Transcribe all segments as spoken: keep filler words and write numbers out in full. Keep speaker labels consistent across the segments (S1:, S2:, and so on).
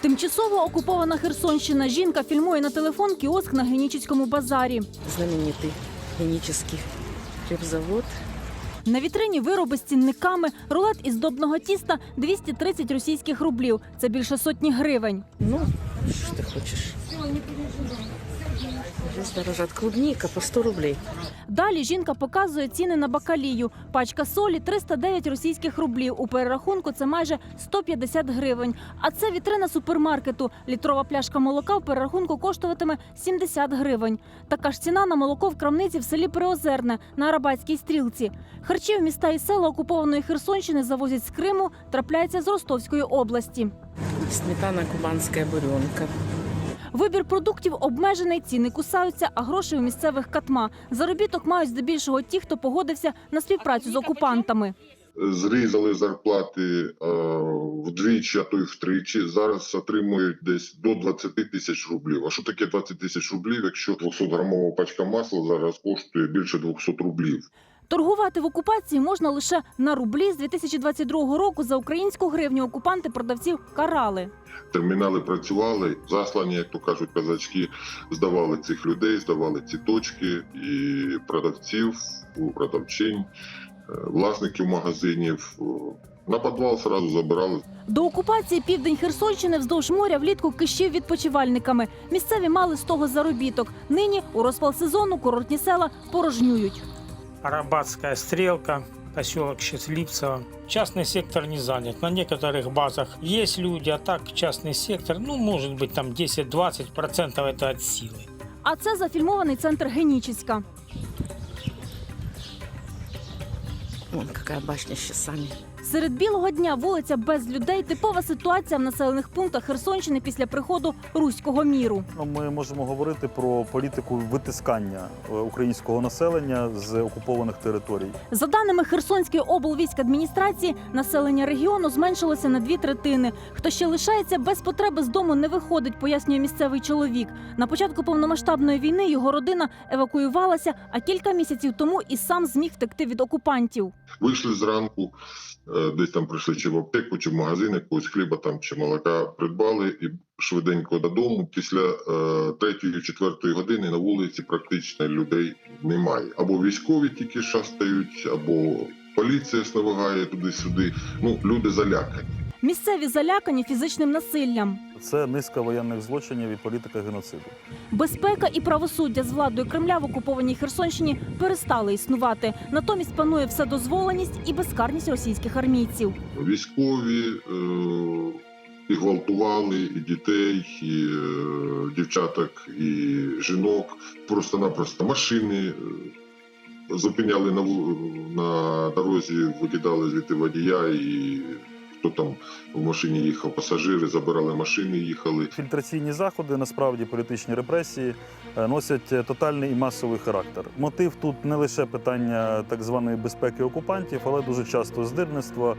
S1: Тимчасово окупована Херсонщина. Жінка фільмує на телефон кіоск на Генічеському базарі.
S2: Знаменитий Генічеський хлібзавод.
S1: На вітрині вироби з цінниками, рулет із здобного тіста – двісті тридцять російських рублів. Це більше сотні гривень.
S2: Ну, що ти хочеш? Здесь дорожать клубника по сто рублей.
S1: Далі жінка показує ціни на бакалію. Пачка солі – триста дев'ять російських рублів. У перерахунку це майже сто п'ятдесят гривень. А це вітрина супермаркету. Літрова пляшка молока в перерахунку коштуватиме сімдесят гривень. Така ж ціна на молоко в крамниці в селі Приозерне на Арабатській стрілці. Харчі в міста і села окупованої Херсонщини завозять з Криму, трапляється з Ростовської області.
S2: Сметана кубанська буренка.
S1: Вибір продуктів обмежений, ціни кусаються, а грошей у місцевих катма. Заробіток мають здебільшого ті, хто погодився на співпрацю з окупантами.
S3: Зрізали зарплати е, вдвічі, а то й втричі. Зараз отримують десь до двадцяти тисяч рублів. А що таке двадцять тисяч рублів, якщо двохсотграмова пачка масла зараз коштує більше двохсот рублів?
S1: Торгувати в окупації можна лише на рублі. З дві тисячі двадцять другого року за українську гривню окупанти продавців карали.
S3: Термінали працювали, заслані, як то кажуть, казачки, здавали цих людей, здавали ці точки і продавців, продавчинь, власників магазинів. На підвал одразу забирали.
S1: До окупації південь Херсонщини вздовж моря влітку кишів відпочивальниками. Місцеві мали з того заробіток. Нині у розпал сезону курортні села порожнюють.
S4: Арабатская стрелка, поселок Счастливцево. Частный сектор не занят. На некоторых базах есть люди, а так частный сектор, ну, может быть, там десять-двадцать процентов это от силы.
S1: А це зафільмований центр Генічеська.
S2: Вон какая башня с часами.
S1: Серед білого дня вулиця без людей – типова ситуація в населених пунктах Херсонщини після приходу руського міру.
S5: Ми можемо говорити про політику витискання українського населення з окупованих територій.
S1: За даними Херсонської облвійськадміністрації, населення регіону зменшилося на дві третини. Хто ще лишається без потреби з дому не виходить, пояснює місцевий чоловік. На початку повномасштабної війни його родина евакуювалася, а кілька місяців тому і сам зміг втекти від окупантів.
S3: Вийшли зранку, десь там прийшли чи в аптеку, чи в магазин, якогось хліба там, чи молока придбали і швиденько додому. Після третьої-четвертої години на вулиці практично людей немає. Або військові тільки шастають, або поліція сновигає туди-сюди. Ну, люди залякані.
S1: Місцеві залякані фізичним насиллям.
S5: Це низка воєнних злочинів і політика геноциду.
S1: Безпека і правосуддя з владою Кремля в окупованій Херсонщині перестали існувати. Натомість панує вседозволеність і безкарність російських армійців.
S3: Військові е- і гвалтували, і дітей, і е- дівчаток, і жінок. Просто-напросто машини е- зупиняли на, на дорозі, викидали звідти водія і... Хто там в машині їхав, пасажири, забирали машини, їхали.
S5: Фільтраційні заходи, насправді політичні репресії, носять тотальний і масовий характер. Мотив тут не лише питання так званої безпеки окупантів, але дуже часто здирництво,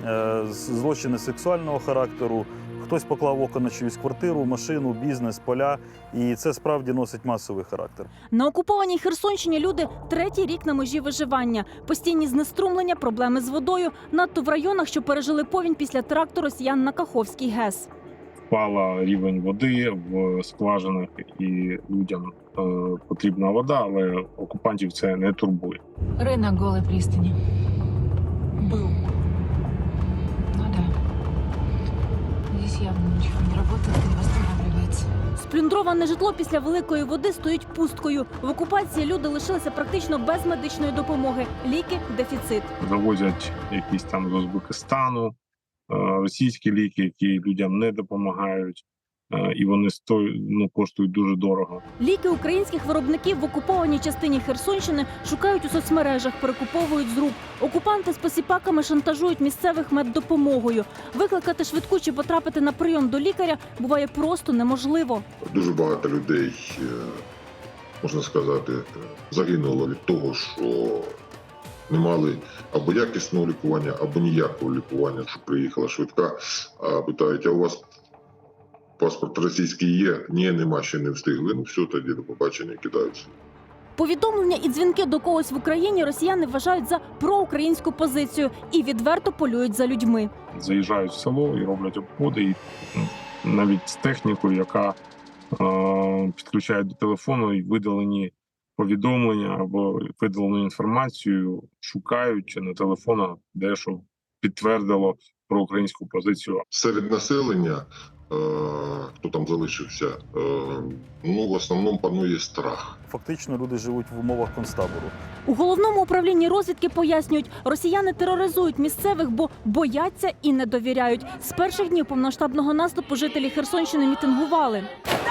S5: злочини сексуального характеру. Хтось поклав око на чиюсь квартиру, машину, бізнес, поля. І це справді носить масовий характер.
S1: На окупованій Херсонщині люди третій рік на межі виживання. Постійні знеструмлення, проблеми з водою. Надто в районах, що пережили повінь після теракту росіян на Каховський ГЕС.
S6: Впала рівень води в скважинах і людям е, потрібна вода, але окупантів це не турбує.
S7: Рынок Голой пристани. Был. Ну да. Здесь явно ничего не работает и не восстанавливается.
S1: Сплюндроване житло після великої води стоїть пусткою. В окупації люди лишилися практично без медичної допомоги. Ліки – дефіцит.
S6: Завозять якісь там з Узбекистану, е, російські ліки, які людям не допомагають. І вони стоять, ну, коштують дуже дорого.
S1: Ліки українських виробників в окупованій частині Херсонщини шукають у соцмережах, перекуповують з рук. Окупанти з посіпаками шантажують місцевих меддопомогою. Викликати швидку чи потрапити на прийом до лікаря буває просто неможливо.
S3: Дуже багато людей, можна сказати, загинуло від того, що не мали або якісного лікування, або ніякого лікування. Що приїхала швидка, а питають, а у вас паспорт російський є? Ні, нема, ще не встигли. Ну все, тоді до побачення, кидаються.
S1: Повідомлення і дзвінки до когось в Україні росіяни вважають за проукраїнську позицію і відверто полюють за людьми.
S6: Заїжджають в село і роблять обходи, і ну, навіть з технікою, яка е, підключає до телефону і видалені повідомлення або видалену інформацію шукають на телефонах, де що підтвердило про українську позицію.
S3: Серед населення, е, хто там залишився, е, ну, в основному панує страх.
S5: Фактично люди живуть в умовах концтабору.
S1: У головному управлінні розвідки пояснюють, росіяни тероризують місцевих, бо бояться і не довіряють. З перших днів повноштабного наступу жителі Херсонщини мітингували.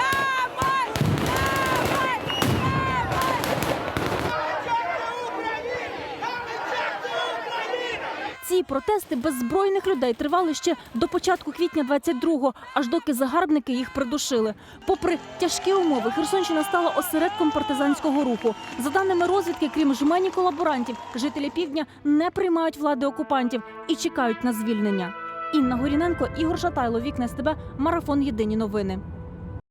S1: Ці протести беззбройних людей тривали ще до початку квітня двадцять другого, аж доки загарбники їх придушили. Попри тяжкі умови, Херсонщина стала осередком партизанського руху. За даними розвідки, крім жмені колаборантів, жителі півдня не приймають влади окупантів і чекають на звільнення. Інна Горіненко, Ігор Шатайло, Вікна СТБ, Марафон. Єдині новини.